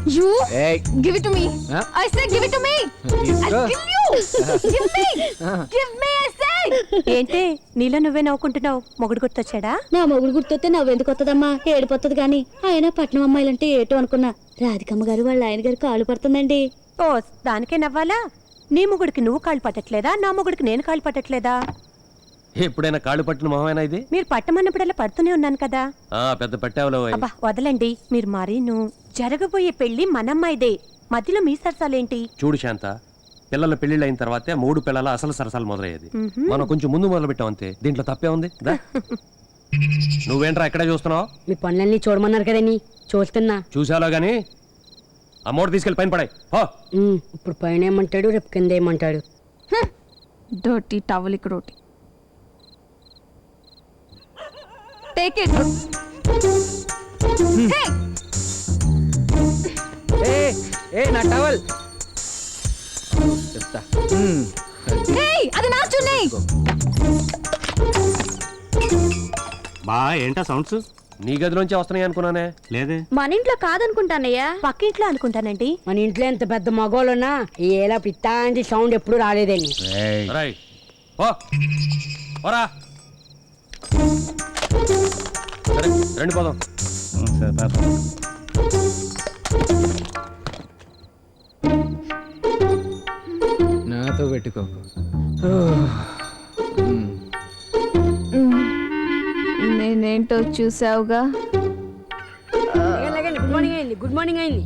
You Hey. give it to me. Huh? I said give it to me. I'll kill you. Give me. Give me, I said. ఏంటి నీలో నువ్వే నవ్వుకుంటున్నావు? మొగుడు గుర్తొచ్చాడా? నా మొగుడు గుర్తొస్తే నవ్వెందుకు వస్తుందమ్మా, ఏడిపోతుంది గాని. ఆయన పట్నం అమ్మాయిలంటే ఏటో అనుకున్నా. రాధికమ్మ గారు వాళ్ళ ఆయన గారు కాళ్ళు పడుతుందండి. ఓ దానికే నవ్వాలా? నీ మొగుడికి నువ్వు కాళ్ళు పట్టట్లేదా? నా మొగుడికి నేను కాళ్ళు పట్టట్లేదా? ఎప్పుడైనా కాళ్ళు పట్టిన మొహమేనా ఇది? మీరు పట్టమన్నప్పుడల్లా పడుతూనే ఉన్నాను కదా. పెద్ద పట్టావులో అబ్బా వదలండి మీరు. మరీను జరగబోయే పెళ్లి మనమ్మాయిదే, మధ్యలో మీ సరసాలేంటి? చూడు శాంత, పిల్లల పెళ్లిళ్ళు అయిన తర్వాతే 3 పిల్లల అసలు సరసాలు మొదలయ్యేది. మనం కొంచెం ముందు మొదలు పెట్టాం అంతే, దీంట్లో తప్పే ఉంది. నువ్వేంట్రా ఎక్కడే చూస్తున్నావు? మీ పనులన్నీ చూడమన్నారు కదండి, చూస్తున్నా. చూసాలో గాని అమ్మోడు తీసుకెళ్ళి పైన పడాయి. ఇప్పుడు పైన ఏమంటాడు, రేపు కింద ఏమంటాడు? Dirty towel roti. Take it. Hey. ఏ నా టవల్ చెప్తా. Hey, అది నా చున్నీ. బా ఏంటా సౌండ్స్? నీ గదిలోంచి వస్తున్నాయి అనుకున్నానే. లేదే. మన ఇంట్లో కాదనుకుంటానయ్యా, పక్కింట్లో అనుకుంటానండి. మన ఇంట్లో ఎంత పెద్ద మగోళ్ళున్నా ఏలా పిత్తాంటి సౌండ్ ఎప్పుడు రాలేదండి. రైట్ ఓరా సరే రండి పోదాం. సరే పాప. నాతో పెట్టుకోకు. నేనేంటో చూసావుగా. గుడ్ మార్నింగ్ అయింది, గుడ్ మార్నింగ్ అయింది.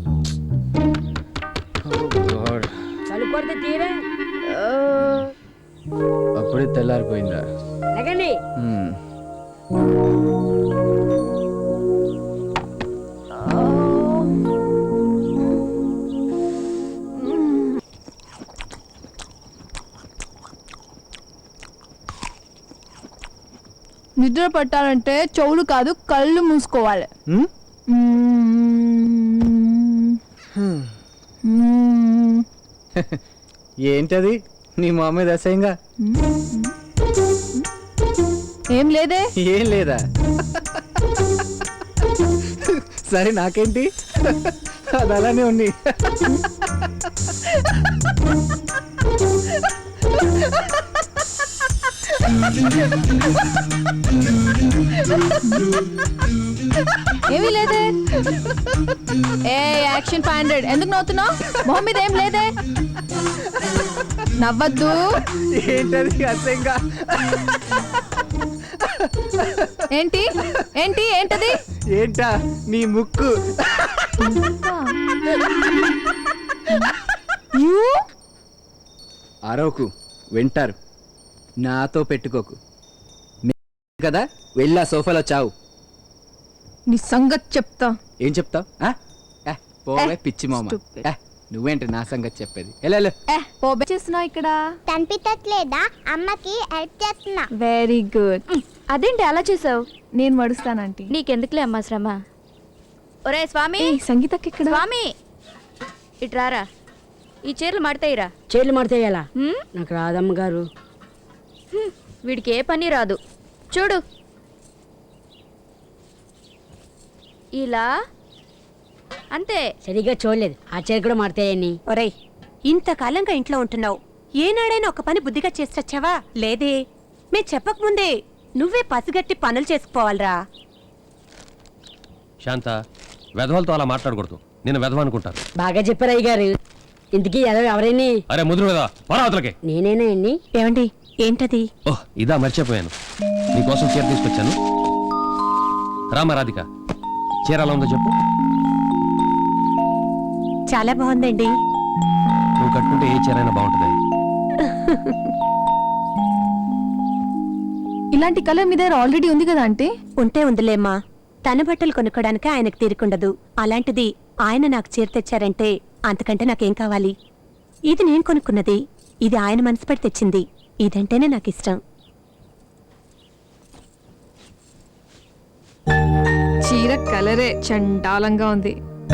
చలుకొడితే తీరా అప్పుడే తెల్లారిపోయిందా? లేకండి. నిద్ర పట్టాలంటే చెవులు కాదు కళ్ళు మూసుకోవాలి. ఏంటది నీ మా మీద అసహ్యంగా? ఏం లేదే. ఏం లేదా? సరే నాకేంటి, అది అలానే ఉంది. ఏమీ లేదే. ఏ యాక్షన్ 500 ఎందుకు నవ్వుతున్నావు? మొహం మీద ఏం లేదే, నవ్వద్దు. ఏంటది అసహ్యంగా? ఏంటి ఏంటి ఏంటది? ఏంటా నీ ముక్కు? అరవకు, వింటారు. నాతో పెట్టుకోకు కదా, వెళ్ళా సోఫాలో చావు. నీ సంగతి చెప్తా. ఏం చెప్తావు? పోవే పిచ్చి మామ. నువ్వేంటి నా సంగతి చెప్పేది? వెళ్ళు. పోబే చేస్తున్నావు ఇక్కడ. కనిపించట్లేదా? అమ్మకి హెల్ప్ చేస్తున్నా. Very good. అదేంటి అలా చేసావు? నేను మడుస్తానంటీ. నీకెందుకులే అమ్మా శ్రమ. ఒరే స్వామి, సంగీతకి ఇక్కడ. స్వామి ఇట్రారా, ఈ చీరలు మడతాయిరా. చీరలు మడతాయాలా? నాకు రాదమ్మ గారు. వీడికి ఏ పని రాదు. చూడు ఇలా అంతే. సరిగ్గా చూడలేదు, ఆ చీర కూడా మడతాయని. ఒరేయ్ ఇంతకాలంగా ఇంట్లో ఉంటున్నావు, ఏనాడైనా ఒక పని బుద్ధిగా చేసొచ్చావా? లేదే. మే చెప్పకముందే నువ్వే పసిగట్టి పనులు చేసుకోవాలరా. శాంత, వెధవలతో అలా మాట్లాడకూడదు. నేను వెధవ అనుకుంటాను. బాగా చెప్పారు అయ్య గారు. ఇంతకీ ఎవరైనా? అరే ముదురు కదా, పరావతలకి. నేనేనా అండి? ఏమండి ఏంటది? ఓహ్ ఇదా, మర్చిపోయాను. నీకోసం చీర తీసుకొచ్చాను. రామ రాధిక, చీర ఎలా ఉందో చెప్పు. చాలా బాగుందండి. నువ్వు కట్టుకుంటే ఏ చీర అయినా బాగుంటుంది. ఇలాంటి కలర్ మీ దగ్గర ఆల్రెడీ ఉంది కదా అంటే? ఉంటే ఉందిలేమ్మా, తన బట్టలు కొనుక్కోడానికి ఆయనకు తీరుకుండదు. అలాంటిది ఆయన నాకు చీర తెచ్చారంటే అంతకంటే నాకేం కావాలి? ఇది నేను కొనుక్కున్నది, ఇది ఆయన మనసు పెట్టి తెచ్చింది. ఇదంటేనే నాకు ఇష్టం. చీర కలరే చండాలంగా ఉంది.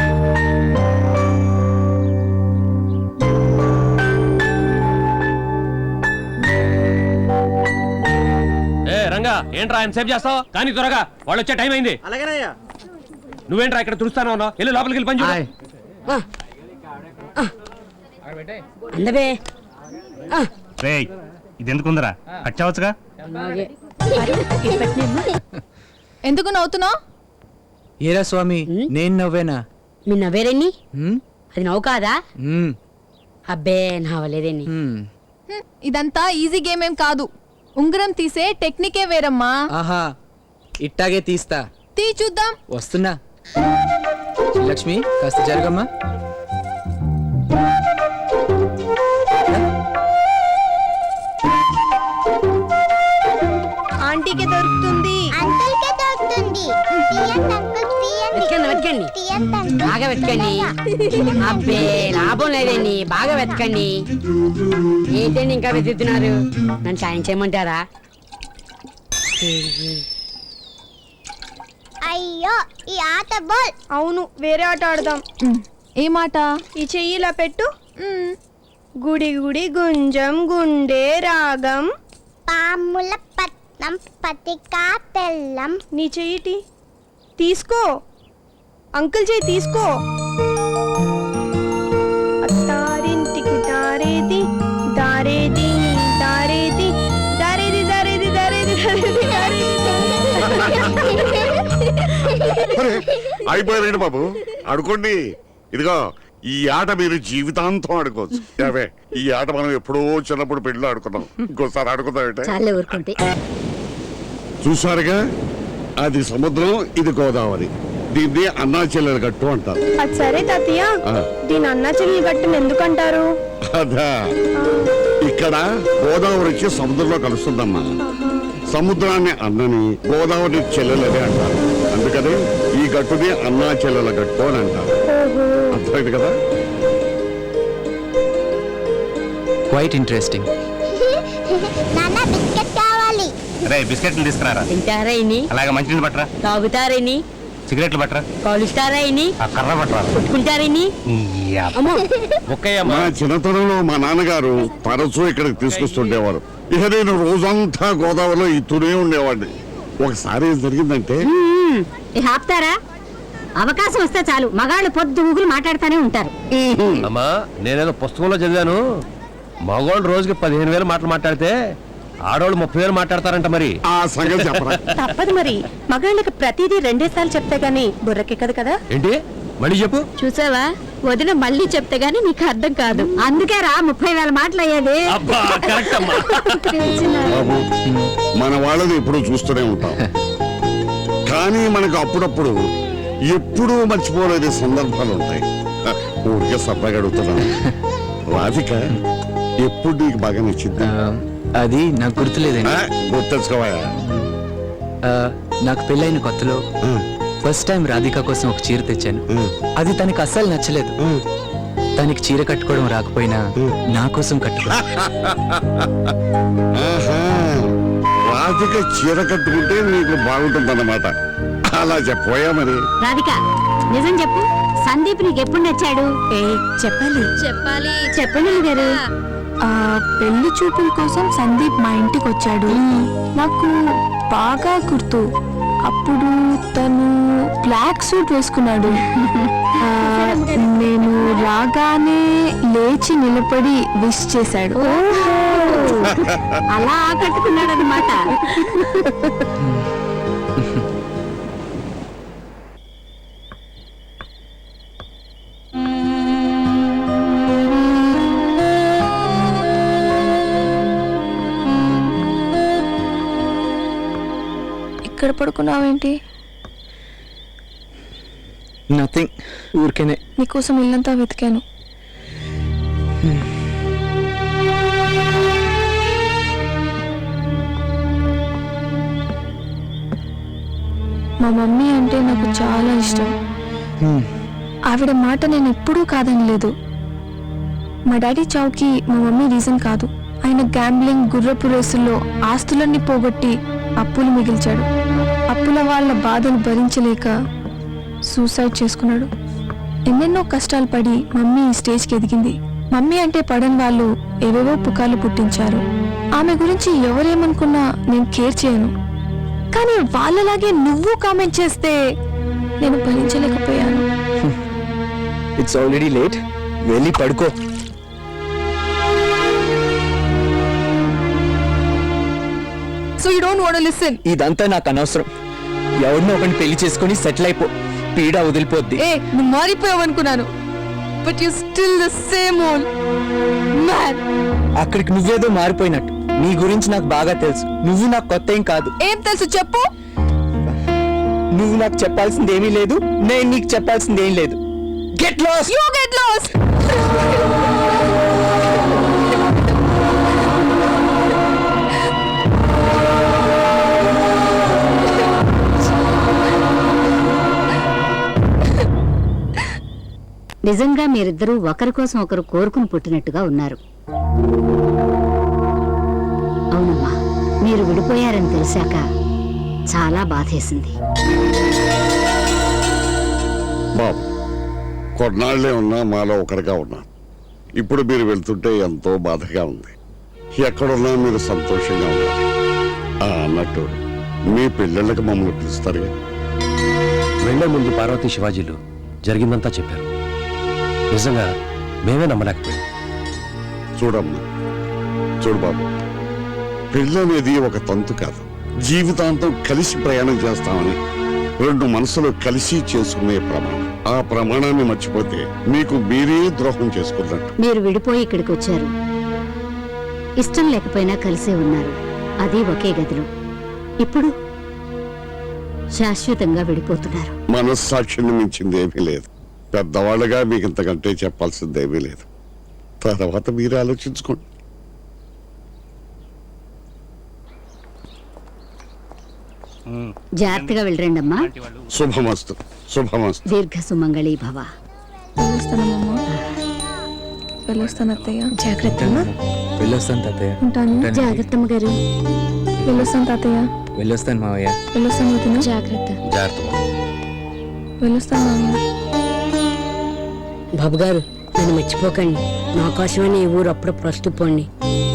రంగా ఏంట్రా ఆయన సేవ్ చేస్తావు? కానీ త్వరగా, వాళ్ళు వచ్చే టైం అయింది. అలాగేనయ్యా. నువ్వేంట్రా ఇక్కడ తుడుస్తాను ఉన్నావు? వెళ్ళి లోపలికి వెళ్ళి పని చూడు. అందవే రే ఇది ఎందుకుందరా కట్టవచ్చుగా. ఎందుకు నవ్వుతున్నావు? ఏరా స్వామి, నేను నవ్వేనా? మీ నవ్వేరేని? హ్మ్? అది నవ్వు కాదా? హ్మ్. అబ్బే నవ్వలేదేని. హ్మ్. ఇదంతా ఈజీ గేమ్ ఏం కాదు. ఉంగరం తీసే టెక్నికే వేరమ్మా. ఆహా, ఇట్టాగే తీస్తా. తీ చూద్దాం. వస్తున్నా. లక్ష్మి కాస్త జరగమ్మా. ఆంటీకి దొరుకుతుంది. అంకుల్కే దొరుకుతుంది. తీయండి అంకుల్, తీయండి. వెతకండి తీయండి అంకుల్. బాగా వెతకండి. అబ్బే లాభం లేదండి, బాగా వెతకండి. ఏంటండి ఇంకా వెతుకుతున్నారు? నన్ను సాయం చేయమంటారా? అయ్యో, ఈ ఆట బాల్. అవును, వేరే ఆట ఆడదాం. ఏ మాట? ఈ చెయ్యి ఇలా పెట్టు. గుడి గుడి గుంజం గుండె రాగం. పాముల పట్నం పతికా తెల్లం. నీ చెయ్యిటి తీసుకో. అంకుల్ చెయ్యి తీసుకో. అత్తారింటికి దారేది దారేది దారేది దారేది దారేది దారేది దారేది అయిపోయారండి బాబు, ఆడుకోండి. ఇదిగో ఈ ఆట మీరు జీవితాంతం ఆడుకోవచ్చు. యావే, ఈ ఆట మనం ఎప్పుడో చిన్నప్పుడు పెళ్ళిలో ఆడుకున్నాం. ఇంకోసారి ఆడుకుందాం. చాలే ఊరుకుంటే. చూసారుగా, అది సముద్రం, ఇది గోదావరి. దీన్ని అన్నా చెల్లెల గట్టు అంటారు. అది సరే తాతయ్య, దీని అన్న చెల్లి గట్టును ఎందుకంటారు? అదా, ఇక్కడ గోదావరి వచ్చి సముద్రంలో కలుస్తుందమ్మా. సముద్రాన్ని అన్నని, గోదావరి చెల్లెలని అంటారు. అందుకని ఈ గట్టుని అన్నా చెల్లెల గట్టు అని అంటారు. అర్థమైంది కదా? Quite interesting. నాన్న బిస్కెట్ కావాలి. రే బిస్కెట్లు తీసుకురారా. తింటారా ఇని? అలాగే మంచినీళ్ళు పట్టరా. తాగుతారా ఇని? సిగరెట్లు పట్టరా. కాలుస్తారా ఇని? ఆ కర్ర పట్టరా. కొట్టుకుంటారా ఇని? అమ్మో, మా చిన్నతనంలో మా నాన్నగారు తరచూ ఇక్కడికి తీసుకొస్తుండేవారు. ఇక నేను రోజంతా గోదావరిలో ఇతూనే ఉండేవాడిని. ఒకసారి ఏం జరిగిందంటే, ఆపుతారా? అవకాశం వస్తే చాలు మగాళ్ళు పొద్దు ఊగులు మాట్లాడుతూనే ఉంటారు. అమ్మా, నేనేదో పుస్తకంలో చదివాను, మగవాళ్ళు రోజుకి 15,000 మాటలు మాట్లాడితే ఆడవాళ్ళు 30,000 మాట్లాడతారంట. మరి ఆ సంగతి చెప్పరా. తప్పదు మరి, మగాళ్ళకి ప్రతిదీ 2 సార్లు చెప్తే గానీ బుర్రకెక్కదు కదా. ఏంటి? మళ్ళీ చెప్పు. చూసావా, వదిన మళ్ళీ చెప్తే గానీ నీకు అర్థం కాదు. అందుకే రా 30,000 మాటలు అయ్యేది. అబ్బా, కరెక్ట్ అమ్మా. బాబు, మన వాళ్ళని ఎప్పుడూ చూస్తూనే ఉంటాం, కానీ మనకు అప్పుడప్పుడు ఎప్పుడూ మర్చిపోలేని సందర్భాలు ఉంటాయి. ఊరికే సరదాగా అడుగుతున్నాను. రాధిక ఎప్పుడు నీకు బాగా నచ్చింది? అది నాకు గుర్తులేదండి. గుర్తెచ్చుకోవా. నాకు పెళ్ళైన కొత్తలో ఫస్ట్ టైం రాధిక కోసం ఒక చీర తెచ్చాను. అది తనకి అస్సలు నచ్చలేదు. తనకి చీర కట్టుకోవడం రాకపోయినా నా కోసం కట్టుకో. రాధిక చీర కట్టుకుంటే నీకు బాగుంటుందన్నమాట. అలా చెప్పోయా మరి. రాధిక నిజం చెప్పు, సందీప్ నీకు ఎప్పుడు నచ్చాడు? చెప్పాలి. చెప్పండి గారు. పెళ్లి చూపుల కోసం సందీప్ మా ఇంటికి వచ్చాడు. నాకు బాగా గుర్తు. అప్పుడు తను బ్లాక్ సూట్ వేసుకున్నాడు. నేను రాగానే లేచి నిలబడి విష్ చేశాడు. అలా ఆకట్టుకున్నాడు అనమాట. ఇక్కడ పడుకున్నావేంటి? నథింగ్, ఊరికేనే. నీకోసం ఇల్లంతా వెతికాను. మా మమ్మీ అంటే నాకు చాలా ఇష్టం. ఆవిడ మాట నేను ఎప్పుడూ కాదనలేదు. మా డాడీ చావుకి మా మమ్మీ రీజన్ కాదు. ఆయన గ్యాంబ్లింగ్, గుర్రపు రేసుల్లో ఆస్తులన్నీ పోగొట్టి అప్పులు మిగిల్చాడు. అప్పుల వాళ్ళ బాధలు భరించలేక సూసైడ్ చేసుకున్నాడు. ఎన్నెన్నో కష్టాలు పడి మమ్మీ ఈ స్టేజ్కి ఎదిగింది. మమ్మీ అంటే పడని వాళ్ళు ఏవేవో పుకార్లు పుట్టించారు. ఆమె గురించి ఎవరేమనుకున్నా నేను కేర్ చేయను. కానీ వాళ్ళలాగే నువ్వు కామెంట్ చేస్తే నేను భరించలేకపోయాను. ఇట్స్ ఆల్రెడీ లేట్, వెళ్ళి పడుకో. So you don't want to listen. ఇదంతా నాకు అనవసరం. ఎవరినో ఒకరిని పెళ్లి చేసుకొని సెటిల్ అయిపో, పీడ వదిలిపోద్ది. ఏ నువ్వు మారిపోయావు అనుకున్నాను, but you still the same old man. అక్కడికి నువ్వేదో మారిపోయినట్టు. నీ గురించి నాకు బాగా తెలుసు. నువ్వు నాకు కొత్త ఏం కాదు. ఏం తెలుసు చెప్పు. నువ్వు నాకు చెప్పాల్సింది ఏమీ లేదు, నేను నీకు చెప్పాల్సింది ఏం లేదు. Get lost. You get lost. నిజంగా మీరిద్దరూ ఒకరి కోసం ఒకరు కోరుకుని పుట్టినట్టుగా ఉన్నారు. అవునమ్మా, మీరు విడిపోయారని తెలిసాక చాలా బాధేసింది. బాబు, కొన్నాళ్లే ఉన్నా మాలో ఒకరిగా ఉన్నా. ఇప్పుడు మీరు వెళ్తుంటే ఎంతో బాధగా ఉంది. ఎక్కడున్నా మీరు సంతోషంగా ఉన్నారు. అన్నట్టు మీ పిల్లలకి మమ్మల్ని పిలుస్తారుగా. వెళ్లే ముందు పార్వతీ శివాజీలు జరిగిందంతా చెప్పారు. నిజంగా మేమే నమ్మలేకపోయాం. చూడమ్మా, చూడు బాబు, పెళ్ళనేది ఒక తంతు కాదు. జీవితాంతం కలిసి ప్రయాణం చేస్తామని రెండు మనసులు కలిసి చేసుకునే ప్రమాణం. ఆ ప్రమాణాన్ని మర్చిపోతే మీకు మీరే ద్రోహం చేసుకున్నట్టు. మీరు విడిపోయి ఇక్కడికి వచ్చారు. ఇష్టం లేకపోయినా కలిసే ఉన్నారు, అది ఒకే గదిలో. ఇప్పుడు శాశ్వతంగా విడిపోతున్నారు. మనస్సాక్షిని మించింది ఏమీ లేదు. పెద్దవాళ్ళుగా మీకు ఇంతకంటే చెప్పాల్సిందేమీ లేదు. తర్వాత మీరే ఆలోచించుకోండి. జాగ్రత్తగా వెళ్ళరండమ్మా. శుభమస్తు, శుభమస్తు. దీర్ఘ సుమంగళీ భవ. వెళ్ళొస్తానమ్మా. వెళ్ళొస్తాను అత్తయ్య. జాగ్రత్తమ్మా. వెళ్ళొస్తాను తాతయ్య. ఉంటాను. జాగ్రత్తమ్మ గారు. వెళ్ళొస్తాను తాతయ్య. వెళ్ళొస్తాను మావయ్య. వెళ్ళొస్తాను వదిన. జాగ్రత్త. జాగ్రత్త. వెళ్ళొస్తాను మామయ్య. బాబు గారు, నన్ను మర్చిపోకండి. నా కోసమని ఈ ఊరు అప్పుడప్పుడు వస్తూ పోండి.